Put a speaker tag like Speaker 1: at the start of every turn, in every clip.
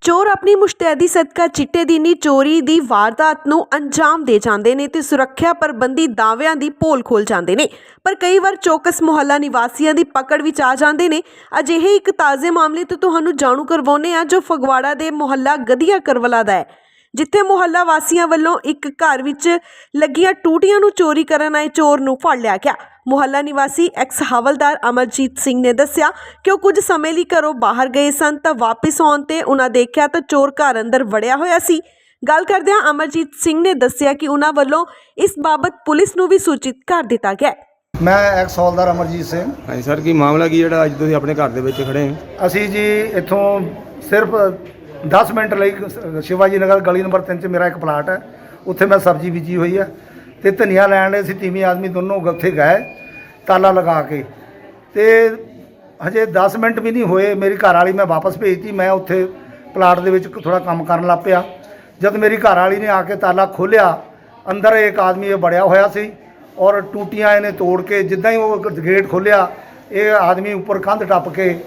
Speaker 1: ਚੋਰ ਆਪਣੀ ਮੁਸ਼ਤੈਦੀ ਸਦਕਾ ਚਿੱਟੇ ਦੀ ਨੀ ਚੋਰੀ ਦੀ ਵਾਰਦਾਤ ਨੂੰ ਅੰਜਾਮ ਦੇ ਜਾਂਦੇ ਨੇ ਤੇ ਸੁਰੱਖਿਆ ਪ੍ਰਬੰਧੀ ਦਾਅਵਿਆਂ ਦੀ ਪੋਲ ਖੋਲ ਜਾਂਦੇ ਨੇ। ਪਰ ਕਈ ਵਾਰ ਚੌਕਸ ਮੁਹੱਲਾ ਨਿਵਾਸੀਆਂ ਦੀ ਪਕੜ ਵਿੱਚ ਆ ਜਾਂਦੇ ਨੇ। ਅਜਿਹੇ ਇੱਕ ਤਾਜ਼ੇ ਮਾਮਲੇ ਤੋਂ ਤੁਹਾਨੂੰ ਜਾਣੂ ਕਰਵਾਉਂਦੇ ਆ ਜੋ ਫਗਵਾੜਾ ਦੇ ਮੁਹੱਲਾ ਗਧੀਆ ਕਰਵਲਾ ਦਾ ਹੈ, ਜਿੱਥੇ ਮੁਹੱਲਾ ਵਾਸੀਆਂ ਵੱਲੋਂ ਇੱਕ ਘਰ ਵਿੱਚ ਲੱਗੀਆਂ ਟੂਟੀਆਂ ਨੂੰ ਚੋਰੀ ਕਰਨ ਆਏ ਚੋਰ ਨੂੰ ਫੜ ਲਿਆ ਗਿਆ। ਮੁਹੱਲਾ ਨਿਵਾਸੀ ਐਕਸ ਹਵਲਦਾਰ ਅਮਰਜੀਤ ਸਿੰਘ ਨੇ ਦੱਸਿਆ ਕਿ ਉਹ ਕੁਝ ਸਮੇਂ ਲਈ ਘਰੋਂ ਬਾਹਰ ਗਏ ਸਨ ਤਾਂ ਵਾਪਸ ਆਉਣ ਤੇ ਉਹਨਾਂ ਦੇਖਿਆ ਤਾਂ ਚੋਰ ਘਰ ਅੰਦਰ ਵੜਿਆ ਹੋਇਆ ਸੀ। ਗੱਲ ਕਰਦਿਆਂ ਅਮਰਜੀਤ ਸਿੰਘ ਨੇ ਦੱਸਿਆ ਕਿ ਉਹਨਾਂ ਵੱਲੋਂ ਇਸ ਬਾਬਤ ਪੁਲਿਸ ਨੂੰ ਵੀ ਸੂਚਿਤ ਕਰ ਦਿੱਤਾ ਗਿਆ।
Speaker 2: मैं एक्स हौलदार अमरजीत सिंह।
Speaker 3: हाँ जी सर, की मामला की ਜਿਹੜਾ ਅੱਜ ਤੁਸੀਂ ਆਪਣੇ ਘਰ ਦੇ ਵਿੱਚ ਖੜੇ ਹੋ?
Speaker 2: ਅਸੀਂ ਜੀ ਇੱਥੋਂ ਸਿਰਫ 10 ਮਿੰਟ ਲਈ ਸ਼ਿਵਾਜੀ ਨਗਰ ਗਲੀ ਨੰਬਰ 3 'ਚ ਮੇਰਾ ਇੱਕ ਪਲਾਟ ਹੈ, ਉੱਥੇ ਮੈਂ ਸਬਜ਼ੀ ਬੀਜੀ ਹੋਈ ਹੈ ਤੇ ਧਨੀਆ ਲੈਣ ਲਈ ਅਸੀਂ ਤੀਵੀਂ ਆਦਮੀ ਦੋਨੋਂ ਉੱਥੇ ਗਏ ਤਾਲਾ ਲਗਾ ਕੇ, ਤੇ ਹਜੇ 10 ਮਿੰਟ ਵੀ ਨਹੀਂ ਹੋਏ ਮੇਰੀ ਘਰ ਵਾਲੀ ਮੈਂ ਵਾਪਸ ਭੇਜਤੀ। ਮੈਂ ਉੱਥੇ ਪਲਾਟ ਦੇ ਵਿੱਚ ਥੋੜਾ ਕੰਮ ਕਰਨ ਲੱਗ ਪਿਆ। ਜਦ ਮੇਰੀ ਘਰ ਵਾਲੀ ਨੇ ਆ ਕੇ ਤਾਲਾ ਖੋਲ੍ਹਿਆ, ਅੰਦਰ ਇੱਕ ਆਦਮੀ ਇਹ ਬੜਿਆ ਹੋਇਆ ਸੀ ਔਰ ਟੂਟੀਆਂ ਇਹਨੇ ਤੋੜ ਕੇ, ਜਿੱਦਾਂ ਹੀ ਉਹ ਗੇਟ ਖੋਲ੍ਹਿਆ ਇਹ ਆਦਮੀ ਉੱਪਰ ਕੰਧ ਟੱਪ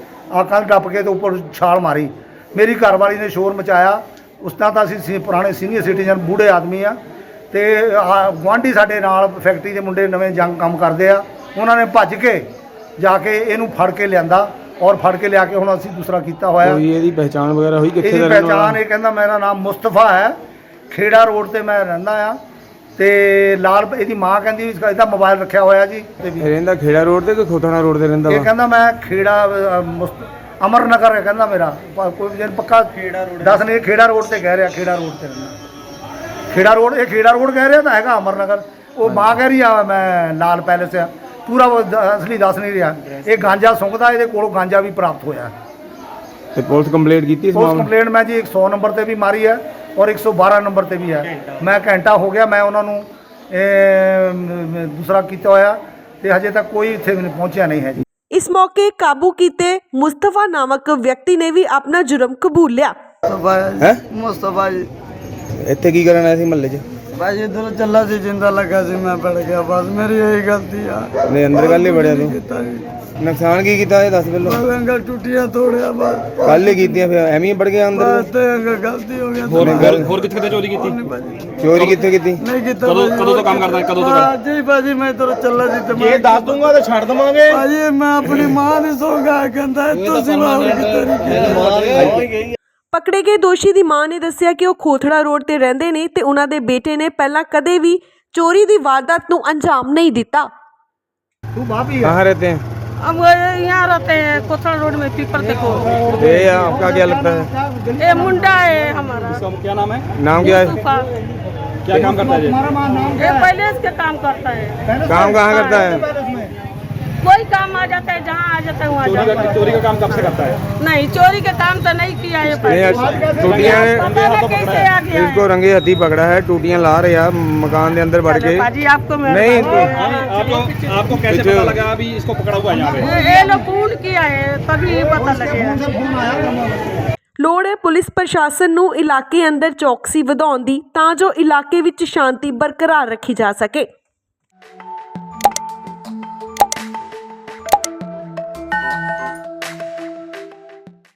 Speaker 2: ਕੇ ਤੇ ਉੱਪਰ ਛਾਲ ਮਾਰੀ। ਮੇਰੀ ਘਰਵਾਲੀ ਨੇ ਸ਼ੋਰ ਮਚਾਇਆ। ਉਸ ਤਰ੍ਹਾਂ ਤਾਂ ਅਸੀਂ ਪੁਰਾਣੇ ਸੀਨੀਅਰ ਸਿਟੀਜ਼ਨ ਬੂढ़े ਆਦਮੀ ਆ, ਤੇ ਗੁਆਂਢੀ ਸਾਡੇ ਨਾਲ ਫੈਕਟਰੀ ਦੇ ਮੁੰਡੇ ਨਵੇਂ ਜੰਗ ਕੰਮ ਕਰਦੇ ਆ, ਉਹਨਾਂ ਨੇ ਭੱਜ ਕੇ ਜਾ ਕੇ ਇਹਨੂੰ ਫੜ ਕੇ ਲਿਆਂਦਾ ਔਰ ਫੜ ਕੇ ਲਿਆ ਕੇ ਹੁਣ ਅਸੀਂ ਦੂਸਰਾ ਕੀਤਾ ਹੋਇਆ।
Speaker 3: ਕੋਈ ਇਹਦੀ ਪਹਿਚਾਣ ਵਗੈਰਾ ਹੋਈ ਕਿੱਥੇ ਦਾ
Speaker 2: ਇਹਦੀ
Speaker 3: ਰਹਿਣ ਵਾਲਾ?
Speaker 2: ਪਹਿਚਾਣ ਇਹ ਕਹਿੰਦਾ ਮੇਰਾ ਨਾਮ ਮੁਸਤਫਾ ਹੈ, ਖੇੜਾ ਰੋਡ ਤੇ ਮੈਂ ਰਹਿੰਦਾ ਆ, ਤੇ ਲਾਲ ਇਹਦੀ ਮਾਂ ਕਹਿੰਦੀ ਇਹਦਾ ਮੋਬਾਈਲ ਰੱਖਿਆ ਹੋਇਆ ਜੀ।
Speaker 3: ਰਹਿੰਦਾ ਖੇੜਾ ਰੋਡ ਤੇ ਕਿ ਖੋਥਣਾ ਰੋਡ ਤੇ ਰਹਿੰਦਾ
Speaker 2: ਇਹ
Speaker 3: ਵਾ?
Speaker 2: ਕਹਿੰਦਾ ਮੈਂ ਖੇੜਾ ਅਮਰ ਨਗਰ ਹੈ ਕਹਿੰਦਾ ਮੇਰਾ, ਕੋਈ ਜਨ ਪੱਕਾ ਦੱਸ ਨਹੀਂ, ਖੇੜਾ ਰੋਡ ਤੇ ਕਹਿ ਰਿਹਾ, ਖੇੜਾ ਰੋਡ ਤੇ ਰਹਿੰਦਾ। ਖੇੜਾ ਰੋਡ, ਇਹ ਖੇੜਾ ਰੋਡ ਕਹਿ ਰਿਹਾ ਤਾਂ ਹੈਗਾ ਅਮਰ ਨਗਰ। ਉਹ ਮਾਂ ਕਹਿ ਰਹੀ ਆ ਮੈਂ ਲਾਲ ਪੈਲੇਸ ਆ, ਪੂਰਾ ਅਸਲੀ ਦੱਸ ਨਹੀਂ ਰਿਹਾ। ਇਹ ਗਾਂਜਾ ਸੁੰਘਦਾ, ਇਹਦੇ ਕੋਲੋਂ ਗਾਂਜਾ ਵੀ ਪ੍ਰਾਪਤ ਹੋਇਆ।
Speaker 3: ਤੇ ਪੁਲਿਸ ਕੰਪਲੇਂਟ ਕੀਤੀ ਇਸ
Speaker 2: ਪੁਲਿਸ
Speaker 3: ਮਾਮਲੇ?
Speaker 2: ਕੰਪਲੇਂਟ ਮੈਂ ਜੀ 100 ਨੰਬਰ ਤੇ ਵੀ ਮਾਰੀ ਹੈ ਔਰ 112 ਨੰਬਰ ਤੇ ਵੀ ਹੈ। ਮੈਂ ਘੰਟਾ ਹੋ ਗਿਆ ਮੈਂ ਉਹਨਾਂ ਨੂੰ ਦੂਸਰਾ ਕੀਤਾ ਹੋਇਆ ਤੇ ਹਜੇ ਤੱਕ ਕੋਈ ਇੱਥੇ ਪਹੁੰਚਿਆ ਨਹੀਂ ਹੈ ਜੀ।
Speaker 1: ਇਸ ਮੌਕੇ ਕਾਬੂ ਕੀਤੇ ਮੁਸਤਫਾ ਨਾਮਕ ਵਿਅਕਤੀ ਨੇ ਵੀ ਆਪਣਾ ਜੁਰਮ ਕਬੂਲ ਲਿਆ।
Speaker 3: ਹੈ
Speaker 4: मुस्तफा जी
Speaker 3: ਇੱਥੇ ਕੀ ਕਰਨ ਆਇਆ ਸੀ ਮਹੱਲੇ 'ਚ?
Speaker 4: भाई इधर चला सी जिंदा लगा सी, मैं पड़ गया, बस मेरी यही गलती है।
Speaker 3: ਨਹੀਂ ਅੰਦਰ ਕੱਲ ਹੀ ਵੜਿਆ ਤੂੰ?
Speaker 4: कीता जी,
Speaker 3: ਨੁਕਸਾਨ ਕੀ ਕੀਤਾ ਇਹ ਦੱਸ ਪਹਿਲਾਂ।
Speaker 4: बस अंकल टूटियां तोड़िया, बस
Speaker 3: ਕੱਲ ही ਕੀਤੀਆਂ ਫਿਰ ਐਵੇਂ ਹੀ ਵੜ ਗਿਆ ਅੰਦਰ?
Speaker 4: बस ते अंकल गलती हो गया।
Speaker 5: ਹੋਰ ਕਿੱਥੇ ਕਿੱਥੇ ਚੋਰੀ ਕੀਤੀ?
Speaker 4: नहीं भाजी,
Speaker 3: ਚੋਰੀ ਕਿੱਥੇ ਕੀਤੀ?
Speaker 4: नहीं कीता
Speaker 5: ਕਦੋਂ
Speaker 4: भाजी।
Speaker 5: ਕਦੋਂ ਤੋਂ ਕੰਮ ਕਰਦਾ? ਕਦੋਂ ਤੋਂ
Speaker 4: हाँ जी भाजी, मैं इधर चला सी ते
Speaker 5: ਇਹ ਦੱਸ ਦੂੰਗਾ ਤੇ ਛੱਡ ਦਵਾਂਗੇ।
Speaker 4: भाजी मैं अपनी मां दी सोगा कहंदा तो सिवा की
Speaker 1: ਪਕੜੇ ਗਏ ਦੋਸ਼ੀ ਦੀ ਮਾਂ ਨੇ ਦੱਸਿਆ ਕਿ ਉਹ ਖੋਥੜਾ ਰੋਡ ਤੇ ਰਹਿੰਦੇ ਨੇ ਤੇ ਉਹਨਾਂ ਦੇ ਬੇਟੇ ਨੇ ਪਹਿਲਾਂ ਕਦੇ ਵੀ ਚੋਰੀ ਦੀ ਵਾਰਦਾਤ ਨੂੰ ਅੰਜਾਮ ਨਹੀਂ ਦਿੱਤਾ।
Speaker 2: ਤੂੰ ਭਾਭੀ ਹੈ?
Speaker 3: कहाँ रहते हैं?
Speaker 6: हम यहाँ रहते हैं कोथड़ा रोड में, पीपर देखो।
Speaker 3: ये आपका क्या लगता है?
Speaker 6: ये मुंडा है हमारा,
Speaker 5: इसका क्या नाम है?
Speaker 3: नाम क्या है?
Speaker 6: मुस्तफा।
Speaker 5: क्या काम करता है ये?
Speaker 6: ये पहले इसके काम करता है,
Speaker 3: काम कहाँ करता है?
Speaker 6: कोई काम आ जाता है, जहाँ आ जाता है वहाँ जाता है।
Speaker 5: चोरी का काम कब से करता है?
Speaker 6: नहीं, चोरी के काम तो नहीं किया है पहले।
Speaker 3: टूटियां
Speaker 6: पता नहीं कैसे आ गया है।
Speaker 3: इसको रंगे हथी पकड़ा है, टूटियां ला रहे हैं मकान के अंदर बढ़ के।
Speaker 6: भाजी आपको मैं
Speaker 3: नहीं
Speaker 5: आपको कैसे पता लगा अभी इसको पकड़ा हुआ है यहाँ पे?
Speaker 6: ये लोग फोन किया है तभी पता लगेगा।
Speaker 1: ਲੋੜ ਹੈ ਪੁਲਿਸ ਪ੍ਰਸ਼ਾਸਨ ਨੂੰ ਇਲਾਕੇ ਅੰਦਰ ਚੌਕਸੀ ਵਧਾਉਣ ਦੀ ਤਾਂ ਜੋ ਇਲਾਕੇ ਵਿੱਚ ਸ਼ਾਂਤੀ ਬਰਕਰਾਰ ਰੱਖੀ ਜਾ ਸਕੇ।